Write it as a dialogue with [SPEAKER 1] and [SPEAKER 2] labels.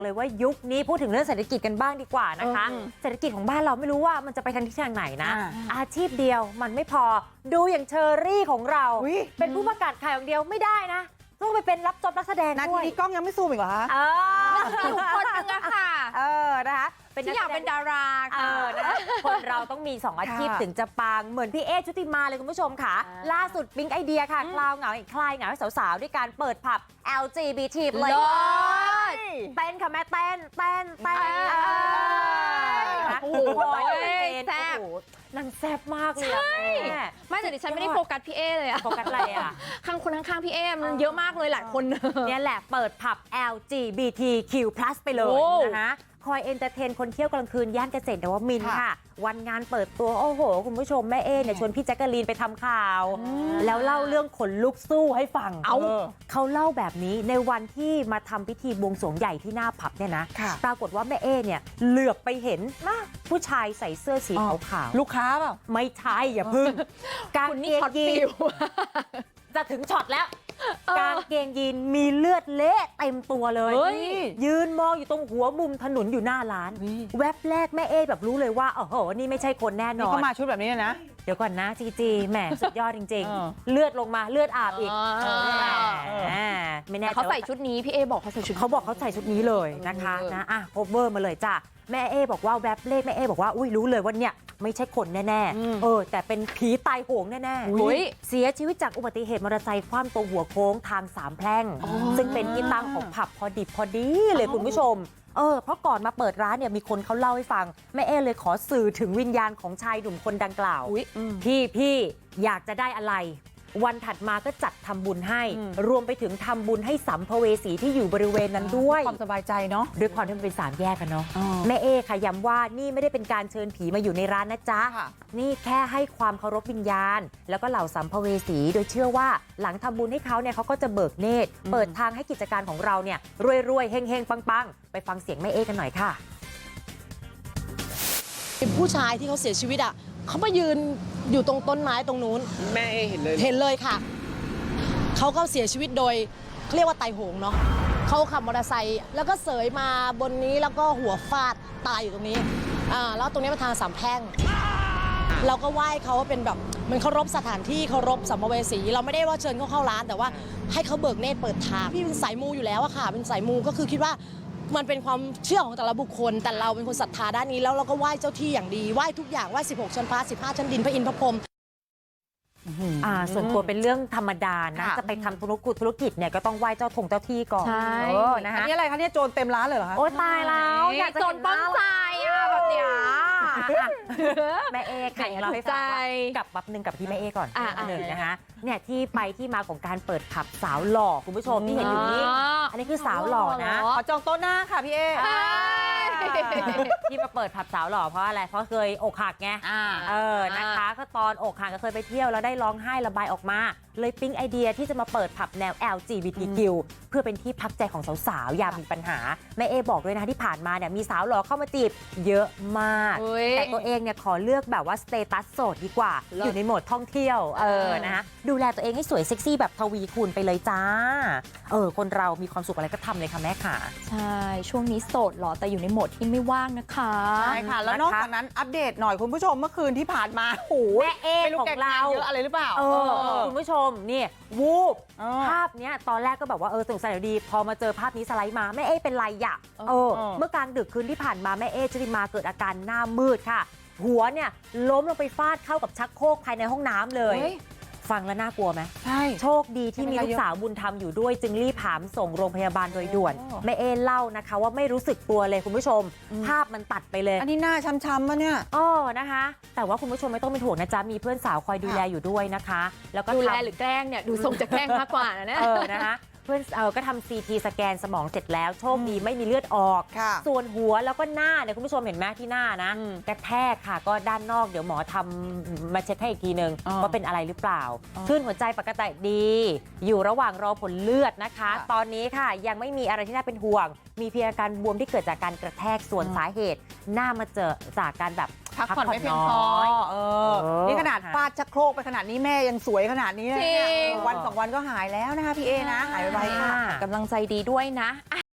[SPEAKER 1] เลยว่ายุคนี้พูดถึงเรื่องเศรษฐกิจกันบ้างดีกว่านะคะเศรษฐกิจของบ้านเราไม่รู้ว่ามันจะไปทางทิศทางไหนนะอาชีพเดียวมันไม่พอดูอย่างเชอรี่ของเราเป็นผู้ประกาศข่าวอย่างเดียวไม่ได้นะต้องไปเป็นรับจอบนักแสดงด้วยนาทีนี้กล้องยังไม่ซูมอีกเหรอคะ
[SPEAKER 2] อยู่คนนึงอะค่ะ
[SPEAKER 1] นะคะ
[SPEAKER 2] ที่อยากเป็นดาราค่ะ
[SPEAKER 1] นะคะคนเราต้องมี2อาชีพถึงจะปังเหมือนพี่เอชุติมาเลยคุณผู้ชมค่ะล่าสุดปิ๊งไอเดียค่ะคลายเหงาให้สาวๆด้วยการเปิดผับ LGBT เลยเต้นค่ะแม่เต้น
[SPEAKER 2] โอ้โหแซ่บ
[SPEAKER 1] นั่นแซ่บมากเลย
[SPEAKER 2] ใช่ไม่แต่ดิฉันไม่ได้โฟกัสพี่เอเลยอะ
[SPEAKER 1] โฟกัสอะไรอะ
[SPEAKER 2] ข้างพี่เอมันเยอะมากเลยหลายคน
[SPEAKER 1] เนี่ยแหละเปิดผับ LGBTQ+ ไปเลยนะคะคอยเอนเตอร์เทนคนเที่ยวกลางคืนย่านเกษตรนวมินทร์ค่ะวันงานเปิดตัวโอ้โหคุณผู้ชมแม่เอเนี่ยชวนพี่แจ๊กกะลีนไปทำข่าวแล้วเล่าเรื่องขนลุกสู้ให้ฟังเขาเล่าแบบนี้ในวันที่มาทำพิธีบวงสรวงใหญ่ที่หน้าผับเนี่ยนะปรากฏว่าแม่เอเนี่ยเหลือบไปเห็นผู้ชายใส่เสื้อสีขาว
[SPEAKER 3] ลูกค้าเปล่า
[SPEAKER 1] ไม่ใช่อย่าพึ่งกางเกงยีนจะถึงช็อตแล้วกางเกงยีนมีเลือดเละเต็มตัวเลยยืนมองอยู่ตรงหัวมุมถนนอยู่หน้าร้านแวบแรกแม่เอแบบรู้เลยว่าโอ้โหนี่ไม่ใช่คนแน่นอน
[SPEAKER 3] นี่เขามาชุดแบบนี้นะ
[SPEAKER 1] เดี๋ยวก่อนนะจีแหมสุดยอดจริงๆเลือดลงมาเลือดอาบอีก
[SPEAKER 2] ไม่แน่เขาใส่ชุดนี้พี่เอบอกเขาใส่ชุด
[SPEAKER 1] เขาบอกเขาใส่ชุดนี้เลยนะคะนะโคเวอร์มาเลยจ้ะแม่เอบอกว่าแวบเลขแม่เอบอกว่าอุ้ยรู้เลยว่าเนี่ยไม่ใช่คนแน่ๆแต่เป็นผีตายโหงแน่ๆเสียชีวิตจากอุบัติเหตุมอเตอร์ไซค์คว่ำตรงหัวโค้งทาง3แพร่งซึ่งเป็นที่ตั้งของผับพอดีเลยคุณผู้ชมเพราะก่อนมาเปิดร้านเนี่ยมีคนเขาเล่าให้ฟังแม่เอเลยขอสื่อถึงวิญญาณของชายหนุ่มคนดังกล่าวพี่อยากจะได้อะไรวันถัดมาก็จัดทำบุญให้รวมไปถึงทำบุญให้สัมภเวสีที่อยู่บริเวณนั้นด้วย
[SPEAKER 3] ความสบายใจเนาะ
[SPEAKER 1] ด้วยความที่มันเป็น3แยกกันเนาะแม่เอค่ะย้ำว่านี่ไม่ได้เป็นการเชิญผีมาอยู่ในร้านนะจ๊ะนี่แค่ให้ความเคารพวิญญาณแล้วก็เหล่าสัมภเวสีโดยเชื่อว่าหลังทำบุญให้เขาเนี่ยเขาก็จะเบิกเนตรเปิดทางให้กิจการของเราเนี่ยรวยๆเฮงๆปังๆไปฟังเสียงแม่เอกันหน่อยค่ะ
[SPEAKER 4] ผู้ชายที่เขาเสียชีวิตเขามายืนอยู่ตรงต้นไม้ตรงนู้น
[SPEAKER 3] แม่เห็น
[SPEAKER 4] เลยค่ะเขาก็เสียชีวิตโดยเรียกว่าตายโหงเนาะเขาขับมอเตอร์ไซค์แล้วก็เสยมาบนนี้แล้วก็หัวฟาดตายอยู่ตรงนี้แล้วตรงนี้เป็นทาง3แพร่งเราก็ไหว้เขาว่าเป็นแบบมันเคารพสถานที่เคารพสัมภเวสีเราไม่ได้ว่าเชิญเขาเข้าร้านแต่ว่าให้เขาเบิกเนตรเปิดทางพี่เป็นสายมูอยู่แล้วอะค่ะเป็นสายมูก็คือคิดว่ามันเป็นความเชื่อของแต่ละบุคคลแต่เราเป็นคนศรัทธาด้านนี้แล้วเราก็ไหว้เจ้าที่อย่างดีไหว้ทุกอย่างไหว้16ชั้นฟ้า15ชั้นดินพระอินทร์พระพรหม
[SPEAKER 1] ส่วนตัวเป็นเรื่องธรรมดานะจะไปทำธุรกิจเนี่ยก็ต้องไหว้เจ้าที่ก่อน
[SPEAKER 3] นะคะอันนี้อะไรคะเนี่ยโจรเต็มร้านเลยเหรอคะ
[SPEAKER 1] โอ้ตายแล้วอยากจะ
[SPEAKER 2] โจรป้องใจแบบเนี้ย
[SPEAKER 1] แม่เอไข่เราให้ฟังกับบับหนึ่งกับที่แม่เอก่อนหนึ่งนะคะเนี่ยที่ไปที่มาของการเปิดผับสาวหล่อคุณผู้ชมที่เห็นอยู่นี้อันนี้คือสาวหล่อนะ
[SPEAKER 3] ขอจองโต๊ะหน้าค่ะพี่เอ
[SPEAKER 1] ที่มาเปิดผับสาวหล่อเพราะอะไรเพราะเคยอกหักไงนะคะก็ตอนอกหักก็เคยไปเที่ยวแล้วได้ร้องไห้ระบายออกมาเลยปิ๊งไอเดียที่จะมาเปิดผับแนว LGBTQ เพื่อเป็นที่พักใจของสาวๆยามมีปัญหาแม่เอบอกด้วยนะที่ผ่านมาเนี่ยมีสาวหล่อเข้ามาจีบเยอะมากแต่ตัวเองเนี่ยขอเลือกแบบว่าสเตตัสโสดดีกว่าอยู่ในโหมดท่องเที่ยวนะคะดูแลตัวเองให้สวยเซ็กซี่แบบทวีคูณไปเลยจ้าคนเรามีความสุขอะไรก็ทำเลยค่ะแม่ค่ะ
[SPEAKER 2] ใช่ช่วงนี้โสดหรอแต่อยู่ในโหมดที่ไม่ว่างนะคะ
[SPEAKER 3] ใช่ค่ะแล้วนอกจากนั้นอัปเดตหน่อยคุณผู้ชมเมื่อคืนที่ผ่านมาโอ้
[SPEAKER 1] แม่เอของเรา
[SPEAKER 3] เยอะอะไรหรือเปล่า
[SPEAKER 1] คุณผู้ชมนี่วูบภาพเนี้ยตอนแรกก็แบบว่าสงสัยดีพอมาเจอภาพนี้สไลด์มาแม่เอเป็นไรอ่ะเมื่อกลางดึกคืนที่ผ่านมาแม่เอชุติมาเกิดอาการหน้ามืดค่ะหัวเนี่ยล้มลงไปฟาดเข้ากับชักโครกภายในห้องน้ำเลยฟังแล้วน่ากลัวไหม
[SPEAKER 3] ใช่
[SPEAKER 1] โชคดีที่มีลูกสาวบุญธรรมอยู่ด้วยจึงรีบหามส่งโรงพยาบาลโดยด่วนแม่เอเล่านะคะว่าไม่รู้สึกตัวเลยคุณผู้ชมภาพมันตัดไปเลย
[SPEAKER 3] อันนี้หน้าช้ำๆป่ะเนี่ย
[SPEAKER 1] นะคะแต่ว่าคุณผู้ชมไม่ต้องเป็นห่วงนะจ๊ะมีเพื่อนสาวคอยดูแลอยู่ด้วยนะคะแล้วก็
[SPEAKER 2] ดูแลหรือแกล้งเนี่ยดูทรงจะแกล้งมากกว่านะเนี่ย
[SPEAKER 1] นะคะเพื่อนก็ทำ CT สแกนสมองเสร็จแล้วโชคดีไม่มีเลือดออกส่วนหัวแล้วก็หน้าเนี่ยคุณผู้ชมเห็นไหมที่หน้านะกระแทกค่ะก็ด้านนอกเดี๋ยวหมอทำมาเช็คให้อีกทีนึงว่าเป็นอะไรหรือเปล่าคลื่นหัวใจปกติดีอยู่ระหว่างรอผลเลือดนะคะตอนนี้ค่ะยังไม่มีอะไรที่น่าเป็นห่วงมีเพียงอาการบวมที่เกิดจากการกระแทกส่วนสาเหตุหน้ามาเจอจากการแบบ
[SPEAKER 3] พักผ่อนไม่เพียงพอนี่ขนาดฟาดชักโครกไปขนาดนี้แม่ยังสวยขนาดนี้เลยวัน2 วันก็หายแล้วนะคะพี่เอนะหายไวค่ะ
[SPEAKER 2] กำลังใจดีด้วยนะ